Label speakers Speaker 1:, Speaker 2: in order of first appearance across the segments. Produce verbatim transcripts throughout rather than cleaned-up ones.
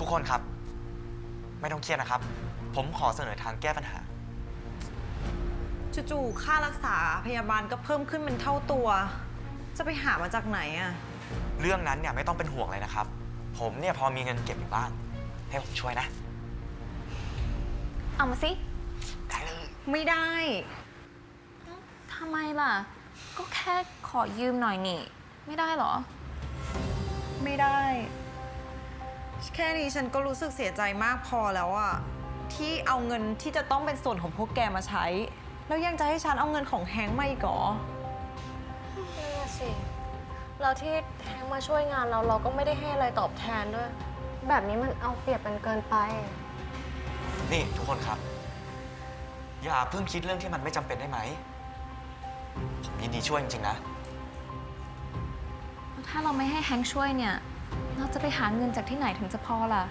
Speaker 1: กคนครับไม่ต้องเครียดนะครับผมขอเสนอทางแก้ปัญหา
Speaker 2: จู่ๆค่ารักษาพยาบาลก็เพิ่มขึ้นเป็นเท่าตัวจะไปหามาจากไหนอะ
Speaker 1: เรื่องนั้นเนี่ยไม่ต้องเป็นห่วงเลยนะครับผมเนี่ยพอมีเงินเก็บอยู่บ้างให้ผมช่วยนะ
Speaker 3: เอามาสิ
Speaker 1: ได้เลย
Speaker 2: ไม่ได้
Speaker 3: ทำไมล่ะก็แค่ขอยืมหน่อยนี่ไม่ได้เหรอ
Speaker 2: ไม่ได้แค่นี้ฉันก็รู้สึกเสียใจมากพอแล้วอะที่เอาเงินที่จะต้องเป็นส่วนของพวกแกมาใช้แล้วยังจะให้ฉันเอาเงินของแฮงค์มาอีกเหรอ
Speaker 4: นั่นน่ะสิเราที่แฮงค์มาช่วยงานเราเราก็ไม่ได้ให้อะไรตอบแทนด้วยแบบนี้มันเอาเปรียบกันเกินไป
Speaker 1: นี่ทุกคนครับอย่าเพิ่งคิดเรื่องที่มันไม่จำเป็นได้ไหมผมยินดีช่วยจริงๆนะ
Speaker 3: ถ้าเราไม่ให้แฮงค์ช่วยเนี่ยเราจะไปหาเงินจากที่ไหนถึงจะพอล่ะ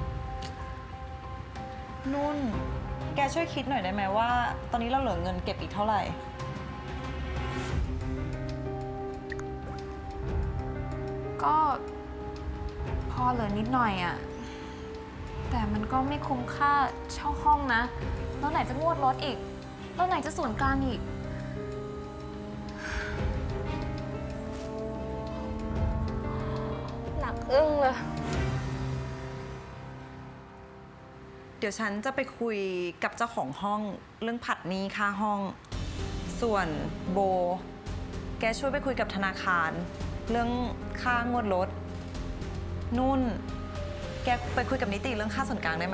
Speaker 2: นุ่นแกช่วยคิดหน่อยได้ไหมว่าตอนนี้เราเหลือเงินเก็บอีกเท่าไหร่
Speaker 3: ก็พอเหลือนิดหน่อยอะแต่มันก็ไม่คุ้มค่าเช่าห้องนะแล้วไหนจะงวดรถอีกแล้วไหนจะส่วนกลางอีก
Speaker 4: หนักอึ้งเลย
Speaker 2: เดี๋ยวฉันจะไปคุยกับเจ้าของห้องเรื่องผัดหนี้ค่าห้อง ส่วนโบแกช่วยไปคุยกับธนาคารเรื่องค่างวดรถนุ่นแกไปคุยกับนิติเรื่องค่าส่วนกลางได้ไหม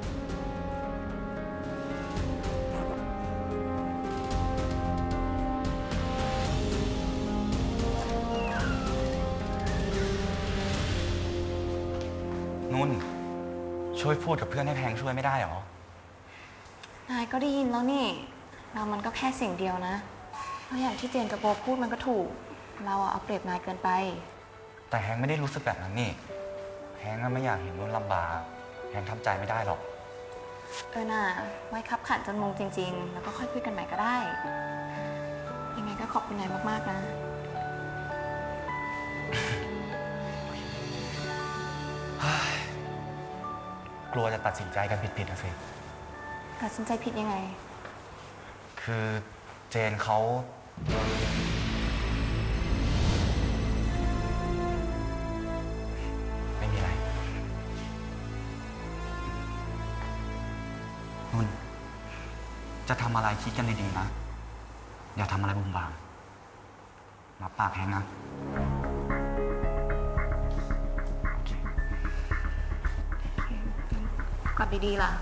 Speaker 1: นุ่นช่วยพูดกับเพื่อนให้แพงช่วยไม่ได้หร
Speaker 3: นายก็ได้ยินแล้วนี่เรามันก็แค่สิ่งเดียวนะเพราะอย่างที่เจนกับโบพูดมันก็ถูกเราเอาเปรียบนายเกินไป
Speaker 1: แต่แฮงไม่ได้รู้สึกแบบนั้นนี่แฮงไม่อยากเห็นนุ่นลำบากแฮงทำใจไม่ได้หรอก
Speaker 3: เออน่ะไว้คับขันจนมุมจริงๆแล้วก็ค่อยคุยกันใหม่ก็ได้ยังไงก็ขอบคุณนายมากๆนะ
Speaker 1: กลัวจะตัดสินใจกันผิดๆนะสิ
Speaker 3: ตัดสินใจผิดยังไง
Speaker 1: คือเจนเขาไม่มีอะไรนุ่นจะทำอะไรคิดกันดีๆนะอย่าทำอะไรบุ่มบามรับปากแฮงนะ
Speaker 3: กอดดีๆล่ะ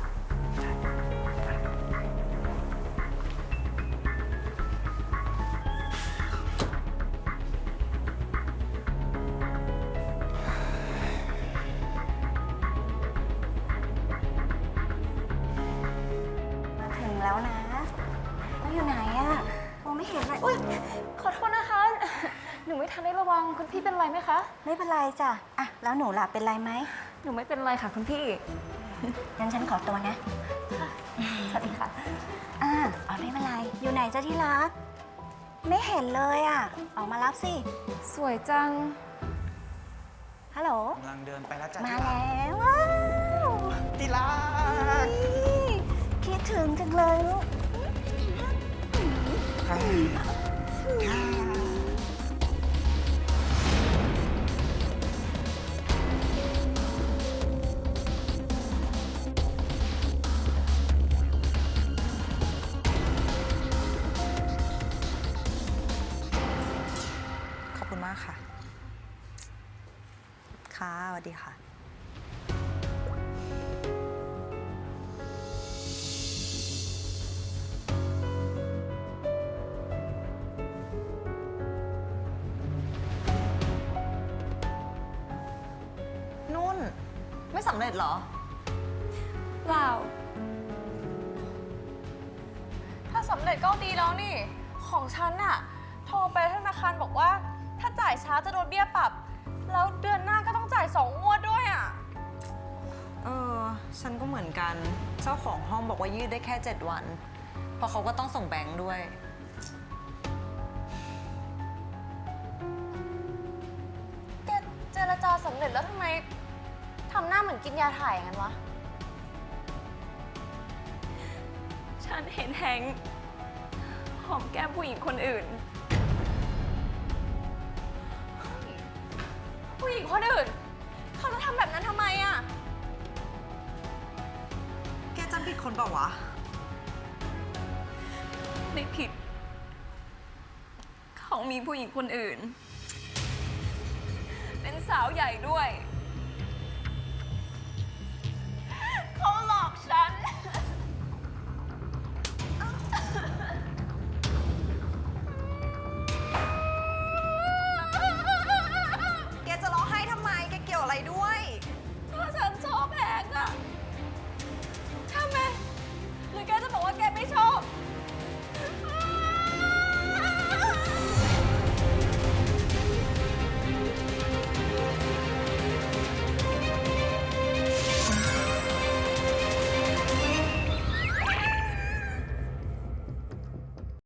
Speaker 5: มาถึงแล้วนะแล้วอยู่ไหนอะมองไม่เห็นเลยอุ้ย
Speaker 3: ขอโทษนะคะหนูไม่ทันได้ระวังคุณพี่เป็นไรไหมคะ
Speaker 5: ไม่เป็นไรจ้ะอะแล้วหนูล่ะเป็นไรไหม
Speaker 3: หนูไม่เป็นไรค่ะคุณพี่
Speaker 5: งั้นฉันขอตัวนะ
Speaker 3: สวัสดีค่ะ
Speaker 5: อ่าอ๋อไม่เป็นไรอยู่ไหนจ้ะที่รักไม่เห็นเลยอะออกมารับสิ
Speaker 3: สวยจัง
Speaker 5: ฮัลโหล
Speaker 1: กำลังเดินไปแล้วจ้ะ
Speaker 5: มาแล้วว้าว
Speaker 1: ที่รัก
Speaker 5: คิดถึงจังเลยลูก
Speaker 2: ขอบคุณมากค่ะค่ะสวัสดีค่ะนุ่นไม่สำเร็จเหรอ
Speaker 4: เปล่าถ้าสำเร็จก็ดีแล้วนี่ของฉันน่ะโทรไปธนาคารบอกว่าถ้าจ่ายช้าจะโดนเบี้ยปรับแล้วเดือนหน้าก็ต้องจ่ายสองงวดด้วยอ่ะ
Speaker 2: เออฉันก็เหมือนกันเจ้าของห้องบอกว่ายืดได้แค่เจ็ดวันเพราะเขาก็ต้องส่งแบงค์ด้วย
Speaker 4: แกเจรจาสำเร็จแล้วทำไมทำหน้าเหมือนกินยาถ่ายงั้นวะ
Speaker 3: ฉันเห็นแฮงค์หอมแก้มผู้หญิงคนอื่น
Speaker 4: ผู้หญิงคนอื่น เขาจะทำแบบนั้นทำไมอะ
Speaker 2: แกจำผิดคนเปล่าวะ
Speaker 3: ไม่ผิด เขามีผู้หญิงคนอื่น เป็นสาวใหญ่ด้วย